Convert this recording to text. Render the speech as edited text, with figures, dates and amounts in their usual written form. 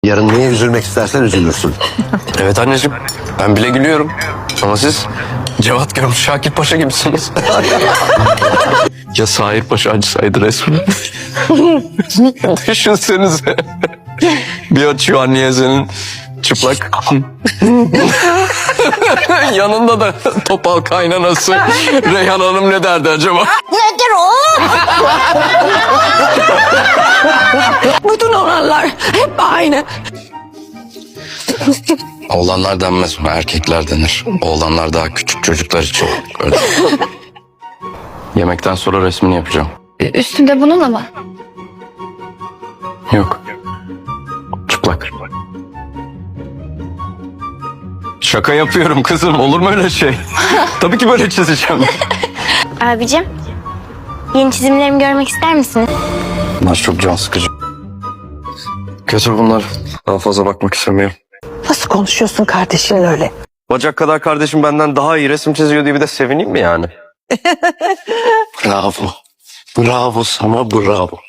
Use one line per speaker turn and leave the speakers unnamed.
Yarın neye üzülmek istersen üzülürsün.
Evet anneciğim, ben bile gülüyorum. Ama siz Cevat görmüş Şakir Paşa gibisiniz. Ya Sahir Paşa acısaydı resmen. Düşünsenize. Bir açıyor anneye senin çıplak. Yanında da topal kaynanası. Reyhan Hanım ne derdi acaba?
Nedir o?
Bütün olanlar hep aynı.
Oğlanlar denmez ona, erkekler denir. Oğlanlar daha küçük çocuklar için. Öyle. Yemekten sonra resmini yapacağım.
Üstünde bunun ama.
Yok. Çıplak. Şaka yapıyorum kızım. Olur mu öyle şey? Tabii ki böyle çizeceğim.
Abicim, yeni çizimlerimi görmek ister misiniz?
Bunlar çok can sıkıcı. Kötü bunlar. Daha fazla bakmak istemiyorum.
Nasıl konuşuyorsun kardeşinle öyle?
Bacak kadar kardeşim benden daha iyi resim çiziyor diye bir de sevineyim mi yani? Bravo. Bravo sana bravo.